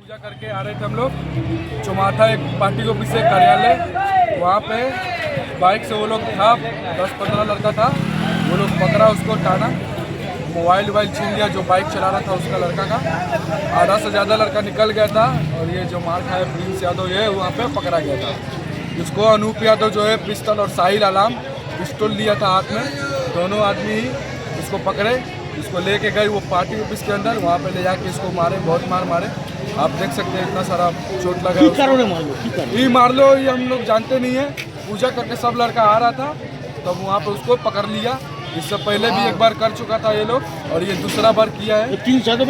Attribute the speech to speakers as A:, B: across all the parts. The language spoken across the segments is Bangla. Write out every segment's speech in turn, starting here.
A: पूजा करके आ रहे थे हम लोग चौमाथा एक पार्टी ऑफिस से कार्यालय, वहाँ पे बाइक से वो लोग था 10-15 लड़का था, वो लोग पकड़ा, उसको टाना, मोबाइल छीन लिया जो बाइक चला रहा था उसका लड़का का। आधा से ज़्यादा लड़का निकल गया था और ये जो मार खाया प्रिंस यादव ये वहाँ पे पकड़ा गया था। जिसको अनूप यादव जो है पिस्टल और साहिल आलाम पिस्टल लिया था हाथ में, दोनों आदमी ही इसको पकड़े, इसको लेके गए वो पार्टी ऑफिस के अंदर, वहाँ पे ले जाके इसको मारे, बहुत मारे। आप देख सकते हैं इतना सारा चोट लगा। ये मार लो ये हम लोग जानते नहीं है। पूजा करके सब लड़का आ रहा था तब वहाँ पे उसको पकड़ लिया। इससे पहले भी एक बार कर चुका था ये लोग और ये दूसरा बार किया है।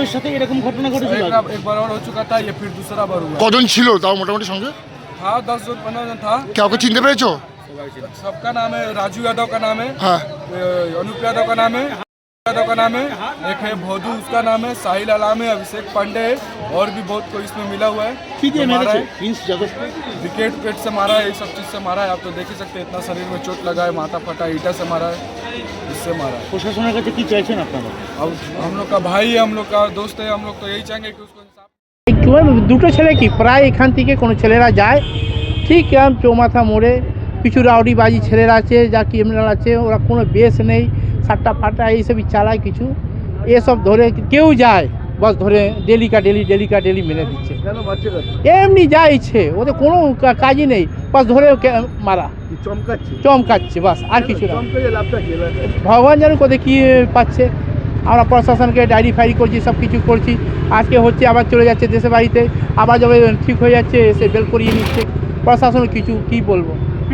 A: एक बार और हो चुका था, ये फिर दूसरा बार हुआ।
B: কজন ছিল তাও মোটামুটি সঙ্গে?
A: हाँ 10-15 जन था।
B: কাউকে চিনতে পেরেছো?
A: सबका नाम है राजू यादव का नाम है,
B: हाँ
A: अनूप यादव का नाम है, यादव का नाम है, एक है भोदू उसका नाम है, साहिल आलाम है, अभिषेक पांडे है और भी बहुत कोई इसमें मिला हुआ है। विकेट से मारा है, ये सब चीज़ से मारा है। आप तो देख ही सकते हैं इतना शरीर में चोट लगा है, माथा फटा, ईटा से मारा है, इससे मारा है।
C: প্রশাসনের কাছে কি চাইছেন আপনারা?
A: अब हम लोग का भाई है, हम लोग का दोस्त है, हम लोग तो यही चाहेंगे कि उसको इंसाफ।
D: দুটো ছেলে কি প্রায় এখান থেকে কোনো ছেলেরা যায় ঠিক চৌমাথা মোড়ে কিছু রাউডিবাজি ছেলেরা আছে যা ক্রিমিনাল আছে, ওরা কোনো বেশ নেই, সাট্টা ফাটা এইসবই চালায় কিছু, এসব ধরে কেউ যায় বস ধরে ডেলি মেরে দিচ্ছে। এমনি যা ইচ্ছে, ওদের কোনো কাজই নেই, বস ধরে মারা চমকাচ্ছে বাস, আর কিছু না। ভগবান জানে কোথায় কী পাচ্ছে। আমরা প্রশাসনকে ডায়েরি ফাইরি করছি, সব কিছু করছি, আজকে হচ্ছে আবার চলে যাচ্ছে দেশে বাড়িতে, আবার যবে ঠিক হয়ে যাচ্ছে এসে বেল করিয়ে নিচ্ছে। প্রশাসন কিছু কী বলবো।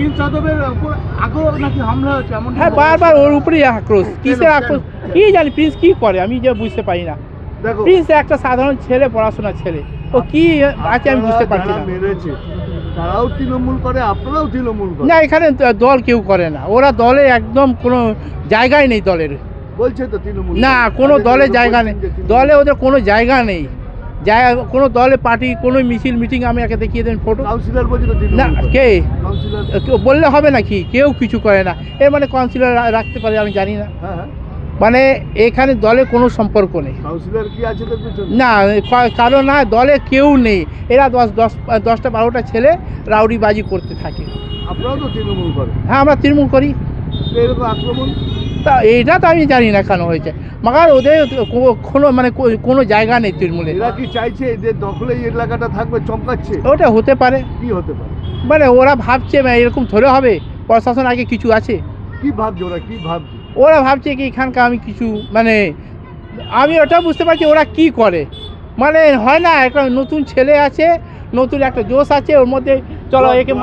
D: হ্যাঁ বারবার ওর উপরেই আক্রোশ, কিসের আক্রোশ কী জানি, প্রিন্স কী করে আমি যে বুঝতে পারি না। প্রিন্স একটা সাধারণ ছেলে, পড়াশোনার ছেলে, ও কি আছে আমি বুঝতে পারছি না।
C: তারাও তৃণমূল করে, আপনারাও তৃণমূল করে
D: না, এখানে দল কেউ করে না, ওরা দলে একদম কোনো জায়গায় নেই দলের।
C: বলছে তো তৃণমূল
D: না, কোনো দলে জায়গা নেই, দলে ওদের কোনো জায়গা নেই, জায়গা কোনো দলে পার্টি কোনো মিছিল মিটিং আমি একে দেখিয়ে দেন ফটো।
C: কাউন্সিলর বলছে তো
D: না, কে
C: কাউন্সিলর
D: বললে হবে নাকি, কেউ কিছু করে না। এর মানে কাউন্সিলর রাখতে পারে আমি জানি না, মানে এখানে দলে কোনো সম্পর্ক নেই।
C: কাউন্সিলর কি আছে তো কিছু
D: না, কারো না, দলে কেউ নেই, এরা 10-12টা ছেলে রাউডিবাজি করতে থাকে।
C: আপনারাও তো তৃণমূল করেন।
D: হ্যাঁ আমরা তৃণমূল করি।
C: এরকম আক্রমণ
D: তা এইটা তো আমি জানি না কেন হয়েছে, মাগার ওদের কোনো মানে কোনো জায়গা নেই তৃণমূলে।
C: এরা কি চাইছে এদের দখলে এই এলাকাটা থাকবে, চমকাচ্ছে?
D: ওটা হতে পারে,
C: কি হতে পারে
D: মানে ওরা ভাবছে এরকম ধরে হবে, প্রশাসন আগে কিছু আছে।
C: কি ভাবছে ওরা, কি ভাবছে
D: ওরা ভাবছে কি এখানকার আমি কিছু মানে আমি ওটা বুঝতে পারছি ওরা কি করে, মানে হয় না একটা নতুন ছেলে আছে, নতুন একটা জোশ আছে ওর মধ্যে, চলো একে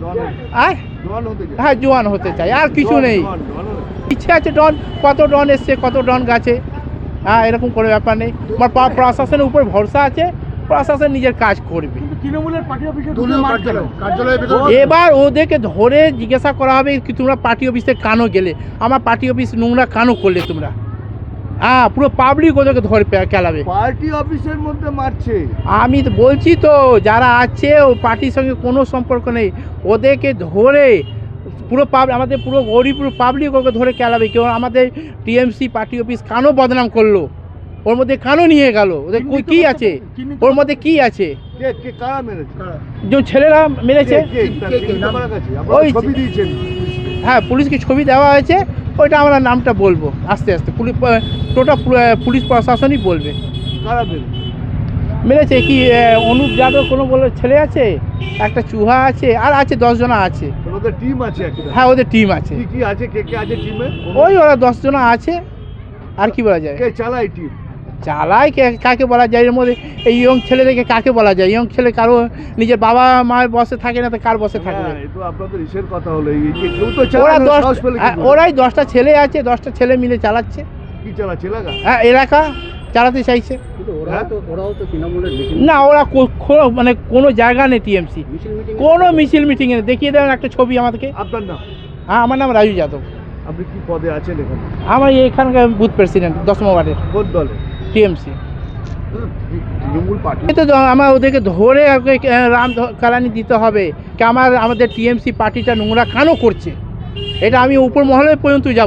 D: হ্যাঁ জোয়ান হতে চাই, আর কিছু নেই। ইচ্ছে আছে ডন, কত ডন এসছে, কত ডন গাছে, হ্যাঁ এরকম কোনো ব্যাপার নেই। আমার প্রশাসনের উপর ভরসা আছে, প্রশাসন নিজের কাজ করবে।
C: তৃণমূলের পার্টি অফিসে
D: এবার ওদেরকে ধরে জিজ্ঞাসা করা হবে কি তোমরা পার্টি অফিসে কেন গেলে, আমার পার্টি অফিস নোংরা কেন করলে তোমরা, হ্যাঁ পুরো পাবলিক ওদেরকে ধরে কেলাবে।
C: পার্টি অফিসের মধ্যে মারছে,
D: আমি তো বলছি তো যারা আছে ও পার্টির সঙ্গে কোনো সম্পর্ক নেই, ওদেরকে ধরে পুরো আমাদের পুরো গরিব পুরো পাবলিক ওকে ধরে কেলাবে। কেউ আমাদের টিএমসি পার্টি অফিস কেন বদনাম করলো, ওর মধ্যে কেন নিয়ে গেল, ওদের কি আছে, ওর মধ্যে কি আছে, যে ছেলেরা মেরেছে ওই হ্যাঁ পুলিশকে ছবি দেওয়া হয়েছে, ওইটা আমরা নামটা বলবো আস্তে আস্তে, টোটাল পুলিশ প্রশাসনই বলবে মেরেছে। কি অনুপ যাদব কোনো বলে ছেলে আছে, একটা চুহা আছে, আর আছে 10 জন আছে,
C: ওদের টিম আছে।
D: হ্যাঁ ওদের টিম আছে,
C: কি আছে, কে কে আছে টিমে?
D: ওই ওরা 10 জন আছে, আর কি বলা যায়।
C: কে চালায় টিম?
D: চালায় কাকে বলা যায়, এর মধ্যে এই ইয়ং ছেলেদেরকে কাকে বলা যায়, ইয়ং ছেলে কারো নিজের বাবা মায়ের বসে থাকে না তো কার বসে থাকবে।
C: আপনাদের ইসের কথা হলো
D: ওরাই 10টা ছেলে আছে, 10টা ছেলে মিলে চালাচ্ছে।
C: কি চালাচ্ছে এলাকা?
D: হ্যাঁ এলাকা চালাতে চাইছে। না ওরা মানে কোনো জায়গা নেই টিএমসি, কোনো মিছিল মিটিং নেই। দেখিয়ে দেবেন একটা ছবি আমাদেরকে।
C: আপনার নাম?
D: হ্যাঁ আমার নাম রাজু যাদব।
C: আপনি কি পদে আছেন এখানে?
D: আমার এখানকার বুথ প্রেসিডেন্ট 10 ওয়ার্ডের।
C: কোন দলে?
D: টিএমসি।
C: তৃণমূল পার্টি
D: তো আমার ওদেরকে ধরে রাম কালানি দিতে হবে কি আমাদের টিএমসি পার্টিটা নোংরা কেন করছে, এটা আমি উপর মহলে পর্যন্ত যাব।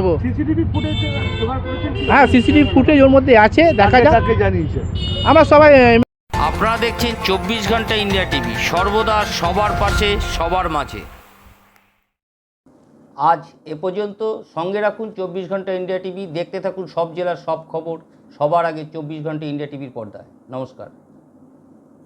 D: হ্যাঁ সিসিটিভি ফুটেজ ওর মধ্যে আছে, দেখা যাক।
C: জানিয়েছে
D: আমরা সবাই
E: আপনারা দেখছেন 24 ঘন্টা ইন্ডিয়া টিভি, সর্বদা সবার পাশে সবার মাঝে। আজ এ পর্যন্ত। সঙ্গে রাখুন 24 ঘন্টা ইন্ডিয়া টিভি। দেখতে থাকুন সব জেলার সব খবর সবার আগে 24 ঘন্টা ইন্ডিয়া টিভির পর্দায়। নমস্কার।